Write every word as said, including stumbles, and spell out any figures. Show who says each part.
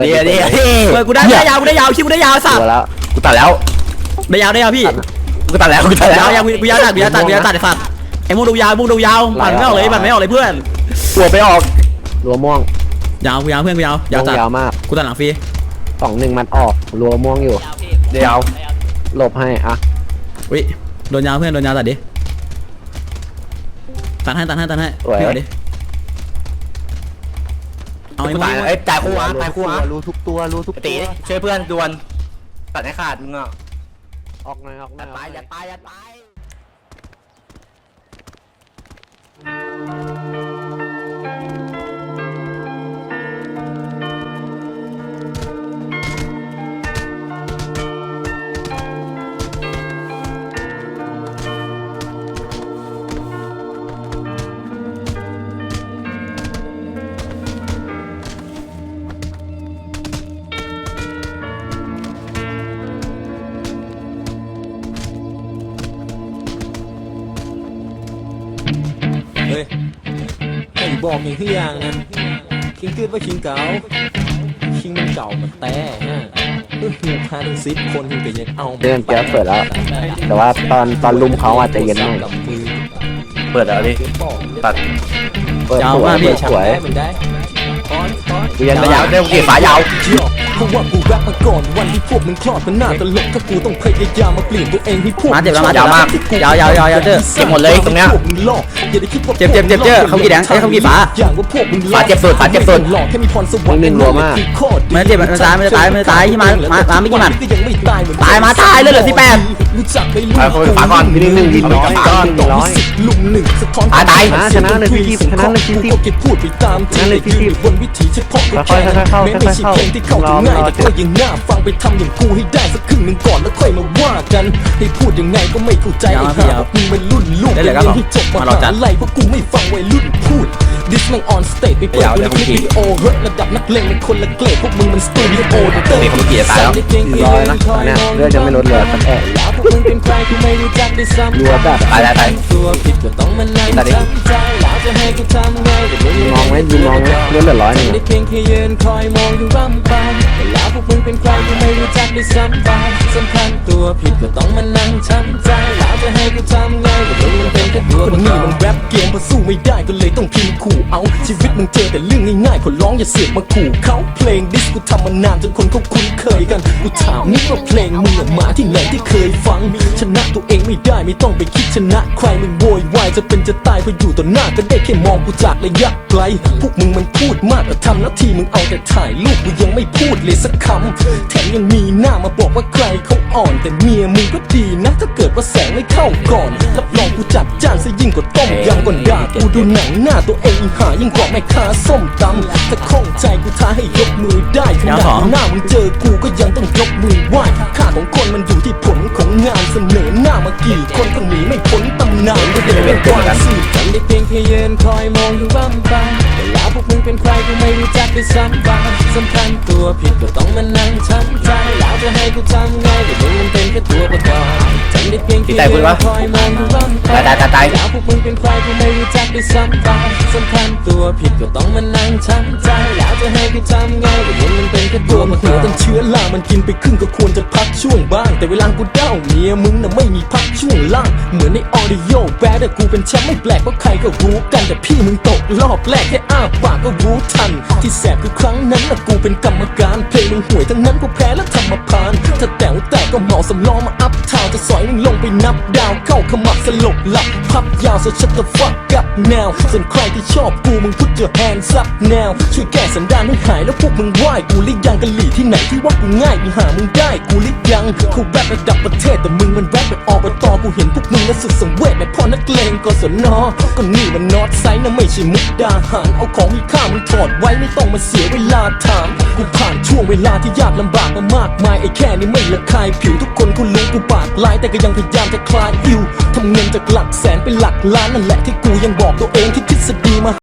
Speaker 1: เดี๋ยวเดี๋ยวเฮ้ยกูได้ได้ยาวกูได้ยาวชิบกูได้ยาวสัตว์
Speaker 2: แล้วกูตัดแล้ว
Speaker 1: ได้ยาวได้ยาวพี่
Speaker 2: กูตัดแล้วกูตัดแล้ว
Speaker 1: ยาวกูยาวตัดกูยาวตัดกูยาวตัดไอ้สัตว์ไอ้มูดูยาวมูดูยาวปั่นไม่ออกเลยปั่นไม่ออกเลยเพื่อน
Speaker 2: ตัวไปออกรัวม่วง
Speaker 1: ยาวกูยาวเพื่อนกูยาวยาวตัด
Speaker 2: ยาวมาก
Speaker 1: กูตัดหลังฟรี
Speaker 2: สองหนึ่งมันออกรัวม่วงอยู่เดี๋ยวหลบให้อ่ะ
Speaker 1: วิโดนยาวเพื่อนโดนยาวตัดดิตัดให้ตัดให้ตัดให้เพื่อนดิเอาไอ้มู
Speaker 2: ไอ้จ่ายคู่วะจ่ายคู่วะรู้ทุกตัวรู้ทุกตีช่วยเพื่อนดวลตัดให้ขาดมึงอ่ะออกหน่อยออกหน่อยตายอย่าตายอย่าตาย
Speaker 3: เฮ้ยให้บอกอย่างที่อย่างนะคิงเกิดว่าคิงเก่าคิงมันเก่ามันแต่ฮะเออพาทั้งสิบคนคิงก็ยังเอา
Speaker 2: เดินเจอเปิดแล้วแต่ว่าตอนตอนลุมเขาอาจจะเย็นหน่อยเปิดแล้วดิตัดเปิดสวยสวยกูยังยาวเร็วกี่ฝายาว
Speaker 3: เพราะว่ากูแรปมาก่อนวันที่พวกมึงคลอดมันน่าตลกถ้ากูต้องพยายามมาเปลี่ยนตัวเองให้พวก
Speaker 1: มาเจ็บแล้วมาเจ็บมากยาวยาวยาวยาวเจ้เจ็บหมดเลยตรงเนี้ยเจ็บเจ็บเจ็บเจ้เขากี่แดงไอ้เขากี่ฝา
Speaker 2: ฝาเจ็บสุดฝาเจ็บสุด
Speaker 3: แค่มีพรสวรรค์
Speaker 2: หนึ่งรัวมาก
Speaker 1: มันเจ็บมันตายมันตายมันตายที่มามามาไม่กี่มันตายมาตายเลยเหลือสิบแปด
Speaker 2: ฝาก่อนหนึ่งหนึ่งหนึ่งร้อยก้อนหนึ่งร้อย
Speaker 3: ลุมหนึ่งสะท้อน
Speaker 2: ตายตายชนะเลยพี่ชนะเลยพี่
Speaker 3: ที่พูดไปตามที่ในที่บนวิถีเฉพาะ
Speaker 2: ค่อยๆเข้าๆค่อยๆเข้า
Speaker 3: ที่เข้าถึงง่ายแต่ก็ยังน่าฟังไปทำอย่างกูให้ได้สักครึ่งหนึ่งก่อนแล้วค่อยมาว่ากันให้พูดยังไงก็ไม่เข้าใจไอ้ห่ามึงเป็นรุ่นลูกเรียนให้จบมหาลัยเพราะกูไม่ฟังวัยรุ่นพูดดิสแมงออนสเตจไปเปิดดูคลิปวิดีโอเฮ้ยระดับนักเลงเป็นคนละเกรดพวกมึงมันสตูดิโอเตอร์
Speaker 2: เขาเกียร์ตายแล้วร้อยนะเนี่ยเลือดจะไม่ลดเหลือสักแอะรัวแบบตายตายตายตัดดิมองไหมยิงมองไหมเลือดเหลือร้อยหนึ่ง
Speaker 3: เพียงแค่ยืนคอยมองดูร่ำไปแล้วพวกมึงเป็นใครกูไม่รู้จักได้ซ้ำไปสำคัญตัวผิดก็ต้องมานั่งช้ำใจแล้วจะให้กูทำไงก็มึงมันเป็นแค่ตัวคนนี้มันแรปเกมพอสู้ไม่ได้ก็เลยต้องพิมพ์ขู่เอาชีวิตมึงเจอแต่เรื่องง่ายๆขอร้องอย่าเสียบมาขู่เขาเพลงดิสกูทำมานานจนคนเขาคุ้นเคยกันกูถามนี่ว่าเพลงมึงมาที่ไหนที่เคยฟังชนะตัวเองไม่ได้ไม่ต้องไปคิดชนะใครมึงโวยวายจะเป็นจะตายพออยู่ต่อหน้าก็ได้แค่มองกูจากระยะไกลพวกมึงมันพูดมากแต่ทำหน้าที่มึงเอาแต่ถ่ายรูปกูยังไม่พูดเลยสักคำแถมยังมีหน้ามาบอกว่าใครเขาอ่อนแต่เมียมึงก็ดีนะถ้าเกิดว่าแสงไม่เข้าก่อนรับรองกูจัดจ้านซะยิ่งกว่าต้มยำก่อนด่ากูดูหนังหน้าตัวเองหายิ่งกว่าแม่ค้าส้มตำถ้าข้องใจกูท้าให้ยกมือได้ขนาดหน้ามึงเจอกูก็ยังต้องยกมือไหว้ค่าของคนมันอยู่ที่ผลของงานเสนอหน้ามากี่คนก็หนีไม่พ้นตำนานก็เดินเป็นกว่าสื่อกันได้เพียงแค่ยืนคอยมองดูร่ำไปแต่แล้วพวกมึงเป็นใครกูไม่รู้จักด้วยซ้ำไปสำคัญตัวผิดก็ต้องมานั่งช้ำใจแล้วจะให้กูทำไงก็มึงมันเป็นแค่ตัวประกอบจำได้เพียงแค่ยืนคอยมองดูร่ำไปแล้วพวกมึงเป็นใครกูไม่รู้จักด้วยซ้ำไปสำคัญตัวผิดก็ต้องมานั่งช้ำใจแล้วจะให้กูทำไงก็มึงมันเป็นแค่ตัวประกอบต้องเชื้อรามันกินไปครึ่งก็ควรจะพักช่วงบ้างแต่เวลากูเด้าเมียมึงน่ะไม่มีพักช่วงล่างเหมือนในออดิโอแบดแต่กูเป็นแชมป์ไม่แปลกเพราะใครก็รู้กันแต่พี่มึงตกรอบแรกแค่อ้าปากก็รู้ทันที่แสบคือครั้งนั้นน่ะกูเป็นกรรมการเพลงมึงห่วยทั้งนั้นกูแพ้แล้วทำมาพานถ้าแต๋วแตกก็เหมาสำล้อมาอัพทาวจะสอยมึงลงไปนับดาวเข้าขมับสลบหลับพับยาวso shut the fuck up now ส่วนใครที่ชอบกูมึง put your hands up now ช่วยแก้สันดานให้หายแล้วพวกมึงไหว้กูลิยังกะหลี่ที่ไหนที่ว่ากูง่ายมึงหามึงได้กูลิยังกูแรประดับประเทศแต่มึงมันแรปแบบอบตกูเห็นพวกมึงแล้วสุดสังเวชแบบพ่อนักเลงกศนก็นี่มันนอตไซน์นะไม่ใช่มุกดาหารเอาของมีค่ามึงถอดไว้ไม่ต้องมาเสียเวลาถามกูผ่านช่วงเวลาที่ยากลำบากมามากมายไอ้แค่นี้ไม่ละคายผิวทุกคนกูรู้กูปากลายแต่ก็ยังพยายามจะคลายอิวทำเงินจากหลักแสนเป็นหลักล้านนั่นแหละที่กูยังบอกตัวเองที่ทฤษฎีมา